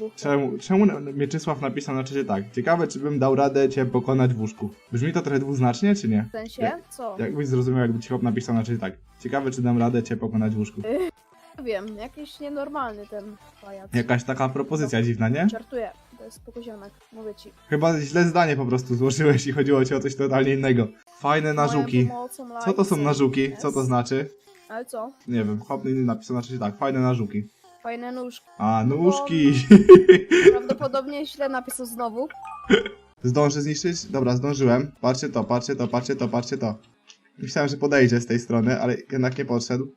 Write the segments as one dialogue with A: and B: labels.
A: łóżku.
B: Czemu Mieczysław napisał na czacie tak? Ciekawe, czy bym dał radę cię pokonać w łóżku. Brzmi to trochę dwuznacznie, czy nie?
A: W sensie? Co?
B: Jakbyś zrozumiał, jakby ci chłop napisał na czacie tak. Ciekawe, czy dam radę cię pokonać w łóżku.
A: Nie wiem, jakiś nienormalny ten pajac.
B: Jakaś taka propozycja dziwna, nie?
A: Żartuję, to jest spokojziomek, mówię ci.
B: Chyba źle zdanie po prostu złożyłeś i chodziło ci o coś totalnie innego. Fajne narzuki.
A: Moją pomocą
B: Co to są
A: lajcy.
B: narzuki? Co to znaczy?
A: Ale co?
B: Nie wiem, chłop napisał na czacie tak. Fajne narzuki.
A: Fajne nóżki.
B: A, nóżki.
A: Prawdopodobnie źle napisał znowu.
B: Zdążę zniszczyć? Dobra, zdążyłem. Patrzcie to, patrzcie to, patrzcie to, patrzcie to. Myślałem, że podejdzie z tej strony, ale jednak nie podszedł.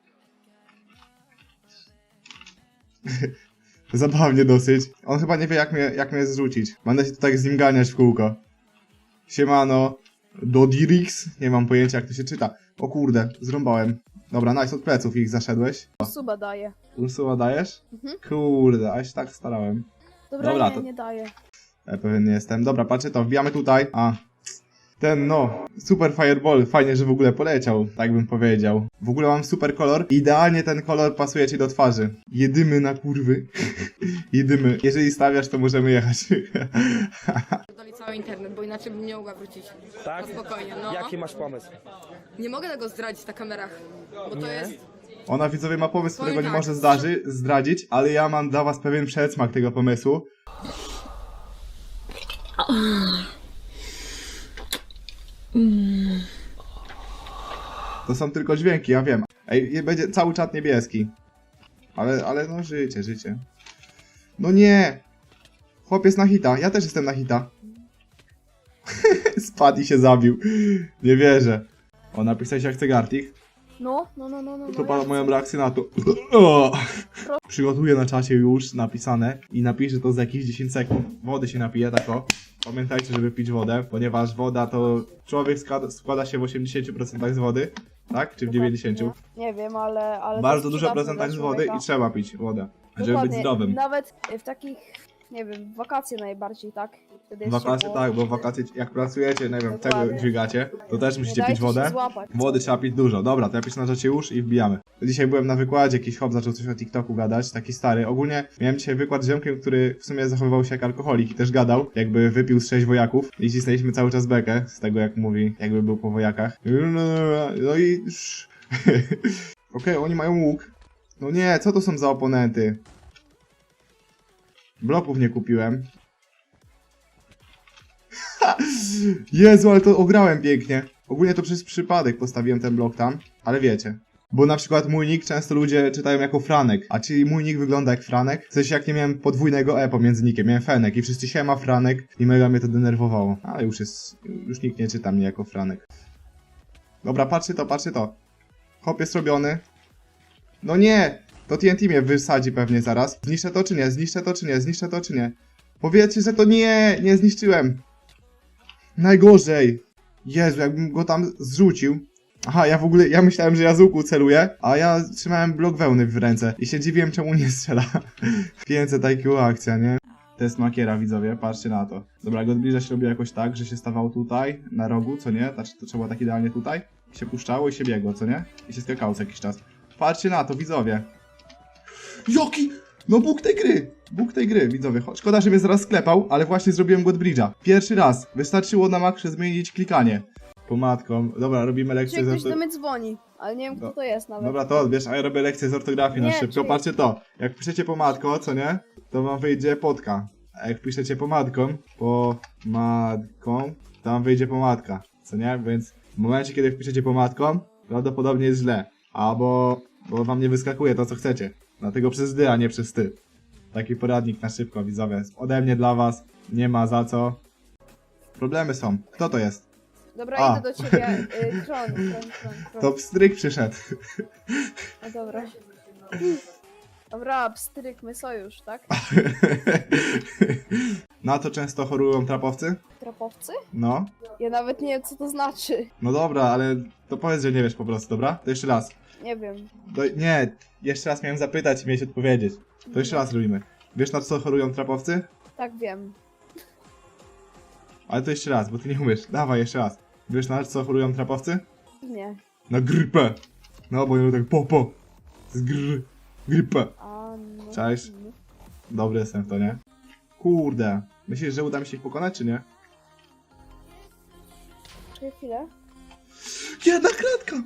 B: Zabawnie dosyć. On chyba nie wie, jak mnie zrzucić. Będę się tu tak z nim ganiać w kółko. Siemano. Dodirix? Nie mam pojęcia, jak to się czyta. O kurde, zrąbałem. Dobra, nice, od pleców ich zaszedłeś.
A: Suba daje.
B: Ursula dajesz?
A: Mhm.
B: Kurde, a ja się tak starałem.
A: Dobra,
B: to-
A: nie daje.
B: Ja pewien nie jestem. Dobra, patrzcie to, wbijamy tutaj. A. Ten no, super fireball, fajnie, że w ogóle poleciał, tak bym powiedział. W ogóle mam super kolor, idealnie ten kolor pasuje ci do twarzy. Jedymy na kurwy. Jedymy. Jeżeli stawiasz, to możemy jechać.
C: Doli cały internet, bo inaczej bym nie mogła wrócić.
D: Tak?
C: No spokojnie, no.
D: Jaki masz pomysł?
C: Nie mogę tego zdradzić na kamerach, bo to
D: Nie?
C: jest...
B: Ona widzowie ma pomysł, którego
C: Powiem
B: nie
C: tak.
B: może zdradzić, ale ja mam dla was pewien przedsmak tego pomysłu. To są tylko dźwięki, ja wiem. Ej, będzie cały czat niebieski. Ale no życie. No nie! Chłop jest na hita, ja też jestem na hita. Spadł i się zabił. Nie wierzę. O, napisałeś jak chce Gartik.
A: No.
B: To
A: ja
B: pan
A: chcę.
B: moją reakcję na to. O! Przygotuję na czacie już napisane i napiszę to za jakieś 10 sekund. Wody się napije, tak o. Pamiętajcie, żeby pić wodę, ponieważ woda to człowiek składa się w 80% z wody, tak? Czy w 90%?
A: Nie wiem, ale to
B: Bardzo
A: jest
B: dużo
A: przydatne
B: procentach
A: dla
B: z wody
A: człowieka.
B: i trzeba pić wodę, żeby być
A: Dokładnie.
B: zdrowym.
A: Nawet w takich, nie wiem, wakacje najbardziej, tak? Wtedy jest
B: Wakacje
A: ciepło.
B: tak, bo wakacje jak pracujecie, nie wiem, tego
A: Dokładnie.
B: dźwigacie, to też
A: Nie
B: musicie
A: dajcie
B: pić wodę.
A: się złapać.
B: Wody trzeba pić dużo. Dobra, to ja piszę na czacie już i wbijamy. Dzisiaj byłem na wykładzie, jakiś chłop zaczął coś o TikToku gadać, taki stary. Ogólnie miałem dzisiaj wykład z ziomkiem, który w sumie zachowywał się jak alkoholik i też gadał, jakby wypił z 6 wojaków. I cisnęliśmy cały czas bekę z tego, jak mówi, jakby był po wojakach. No i... Okej, oni mają łuk. No nie, co to są za oponenty? Bloków nie kupiłem. Jezu, ale to ograłem pięknie. Ogólnie to przez przypadek postawiłem ten blok tam, ale wiecie. Bo na przykład mój nick często ludzie czytają jako Franek, a czy mój nick wygląda jak Franek? W sensie jak nie miałem podwójnego E pomiędzy nickiem, miałem Fenek i wszyscy siema Franek i mega mnie to denerwowało. Ale już nikt nie czyta mnie jako Franek. Dobra, patrzcie to. Hop jest robiony. No nie! To TNT mnie wysadzi pewnie zaraz. Zniszczę to czy nie? Powiedzcie, że to nie zniszczyłem. Najgorzej. Jezu, jakbym go tam zrzucił. Aha, ja myślałem, że ja z łuku celuję, a ja trzymałem blok wełny w ręce i się dziwiłem, czemu nie strzela. 500 IQ akcja, nie? Test makiera, widzowie, patrzcie na to. Dobra, go zbliża się robiło jakoś tak, że się stawał tutaj, na rogu, co nie? Znaczy, to trzeba tak idealnie tutaj. I się puszczało i się biegło, co nie? I się skakało co jakiś czas. Patrzcie na to, widzowie. Jaki? No Bóg tej gry, widzowie. Szkoda, że mnie zaraz sklepał, ale właśnie zrobiłem God Bridge'a. Pierwszy raz. Wystarczyło na maksie zmienić klikanie. Pomadką. Dobra, robimy lekcję
A: Czy
B: z
A: ktoś do
B: ortografii.
A: mnie dzwoni, ale nie wiem kto to jest nawet.
B: Dobra, to odbierz, a ja robię lekcję z ortografii na
A: Nie,
B: szybko.
A: czyli-
B: Patrzcie to. Jak piszecie pomadko, co nie? To wam wyjdzie podka. A jak piszecie pomadką, to wam wyjdzie pomadka. Co nie? Więc w momencie, kiedy wpiszecie pomadką, prawdopodobnie jest źle. Albo bo wam nie wyskakuje to, co chcecie. Dlatego przez dy, a nie przez ty. Taki poradnik na szybko, widzowie. Ode mnie dla was. Nie ma za co. Problemy są. Kto to jest?
A: Dobra,
B: A.
A: idę do ciebie. Kron.
B: To pstryk przyszedł.
A: No dobra. Dobra, pstrykmy sojusz, tak?
B: Na to często chorują trapowcy?
A: Trapowcy?
B: No.
A: Ja nawet nie wiem co to znaczy.
B: No dobra, ale to powiedz, że nie wiesz po prostu, dobra? To jeszcze raz.
A: Nie wiem.
B: Nie, jeszcze raz miałem zapytać i mieć odpowiedzieć. To jeszcze raz robimy. Wiesz, na co chorują trapowcy?
A: Tak wiem.
B: Ale to jeszcze raz, bo ty nie umiesz. Dawaj, jeszcze raz. Wiesz, na co chorują trapowcy?
A: Nie.
B: Na grypę. No, bo nie tak po. To jest grypę.
A: A no.
B: Cześć. Dobry jestem w to, nie? Kurde. Myślisz, że uda mi się ich pokonać, czy nie?
A: Czekaj chwilę.
B: Jedna kratka!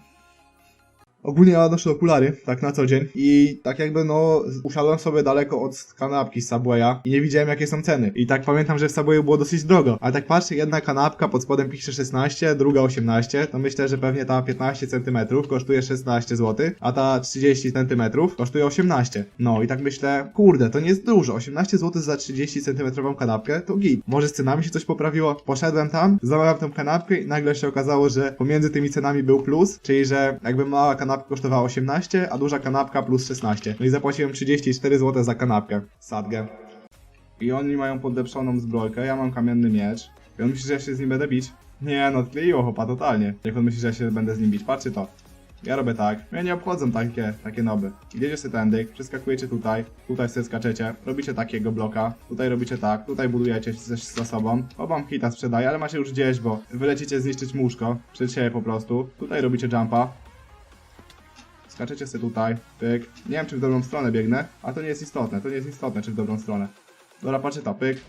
B: Ogólnie ja noszę okulary, tak na co dzień i tak jakby no usiadłem sobie daleko od kanapki z Subwaya i nie widziałem jakie są ceny. I tak pamiętam, że w Subwayu było dosyć drogo, ale tak patrzę, jedna kanapka pod spodem pisze 16, druga 18, to myślę, że pewnie ta 15 cm kosztuje 16 zł, a ta 30 cm kosztuje 18. No i tak myślę, kurde, to nie jest dużo, 18 zł za 30 cm kanapkę to git. Może z cenami się coś poprawiło? Poszedłem tam, zamawiam tą kanapkę i nagle się okazało, że pomiędzy tymi cenami był plus, czyli że jakby mała kanapka kosztowała 18, a duża kanapka plus 16. No i zapłaciłem 34 zł za kanapkę. Sadgę. I oni mają podlepszoną zbrojkę, ja mam kamienny miecz. I on myśli, że ja się z nim będę bić? Nie, no odkleiło chłopa totalnie. Jak on myśli, że ja się będę z nim bić, patrzcie to. Ja robię tak, mnie nie obchodzą takie noby. Idziecie sobie tędy, przeskakujecie tutaj, tutaj sobie skaczecie, robicie takiego bloka, tutaj robicie tak, tutaj budujecie coś za sobą. Obam hita sprzedaję, ale macie już gdzieś, bo wylecicie zniszczyć łóżko, przed siebie po prostu. Tutaj robicie jumpa. Skaczecie sobie tutaj, pyk. Nie wiem, czy w dobrą stronę biegnę, a to nie jest istotne, czy w dobrą stronę. Dobra, patrzcie to, pyk.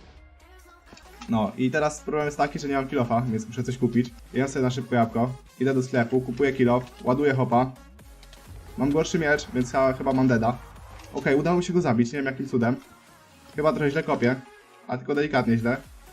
B: No i teraz problem jest taki, że nie mam kilofa, więc muszę coś kupić. Jem sobie na szybko jabłko, idę do sklepu, kupuję kilof, ładuję hopa. Mam gorszy miecz, więc chyba mam deda. Okej, udało mi się go zabić, nie wiem jakim cudem. Chyba trochę źle kopię, a tylko delikatnie źle.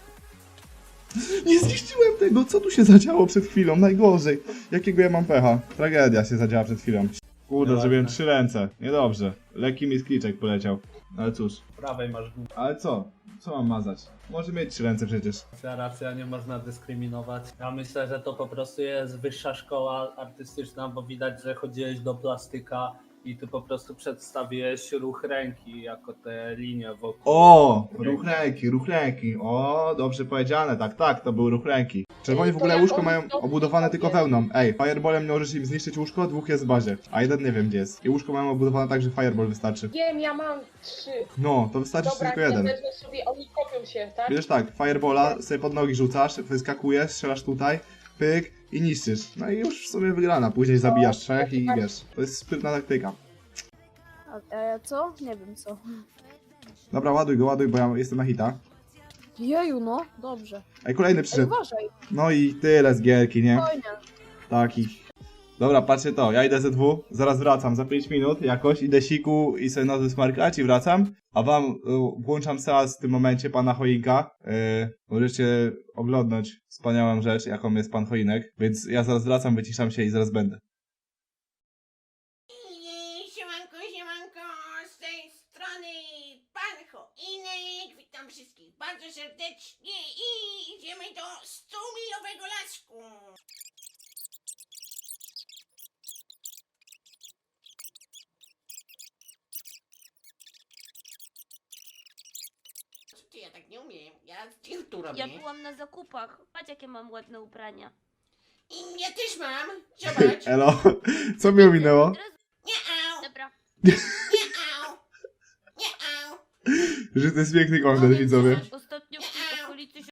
B: Nie zniszczyłem tego, co tu się zadziało przed chwilą, najgorzej. Jakiego ja mam pecha? Tragedia się zadziała przed chwilą. Kurde, zrobiłem 3 ręce. Niedobrze. Lekki mi skliczek poleciał. Ale cóż.
D: Prawej masz głupę.
B: Ale co? Co mam mazać? Może mieć 3 ręce przecież.
D: Racja, nie można dyskryminować. Ja myślę, że to po prostu jest wyższa szkoła artystyczna, bo widać, że chodziłeś do plastyka i ty po prostu przedstawiłeś ruch ręki jako te linie wokół.
B: O! Ruch ręki. O, dobrze powiedziane. Tak, to był ruch ręki. Czerwoni w ogóle łóżko mają obudowane tylko wełną. Ej, fireballem nie możesz im zniszczyć łóżko, 2 jest w bazie. A jeden nie wiem gdzie jest. I łóżko mają obudowane tak, że fireball wystarczy.
E: Wiem, ja mam 3.
B: No, to wystarczy
E: Dobra,
B: tylko jeden.
E: wezmę sobie, oni kopią się, tak?
B: Wiesz tak, fireballa sobie pod nogi rzucasz, wyskakujesz, strzelasz tutaj, pyk i niszczysz. No i już w sumie wygrana. Później zabijasz 3 i wiesz. To jest sprytna taktyka.
A: A co? Nie wiem co.
B: Dobra, ładuj go, bo ja jestem na hita.
A: Jeju, no. Dobrze.
B: Ej, kolejny
A: Ej,
B: przyszedł.
A: uważaj.
B: No i tyle z gierki, nie?
A: Spokojnie.
B: Taki. Dobra, patrzcie to, ja idę ze 2, zaraz wracam, za 5 minut jakoś, idę siku i sobie nowy smarkać i wracam, a wam włączam seans w tym momencie pana Choinka, możecie oglądnąć wspaniałą rzecz, jaką jest pan Choinek, więc ja zaraz wracam, wyciszam się i zaraz będę.
F: Siemanko, z tej strony pan Choinek, witam wszystkich bardzo serdecznie i idziemy do 100-milowego lasku. Co ty, ja tak nie umiem, ja tu robię.
G: Ja byłam na zakupach. Patrz jakie mam ładne ubrania.
F: I ja też mam, zobacz.
B: Elo, co mi ominęło?
G: Od razu-
F: Nie-au,
G: Dobra.
F: nie-au, nie-au.
B: Że to jest piękny
G: No
B: content,
G: więc
B: widzowie.
G: o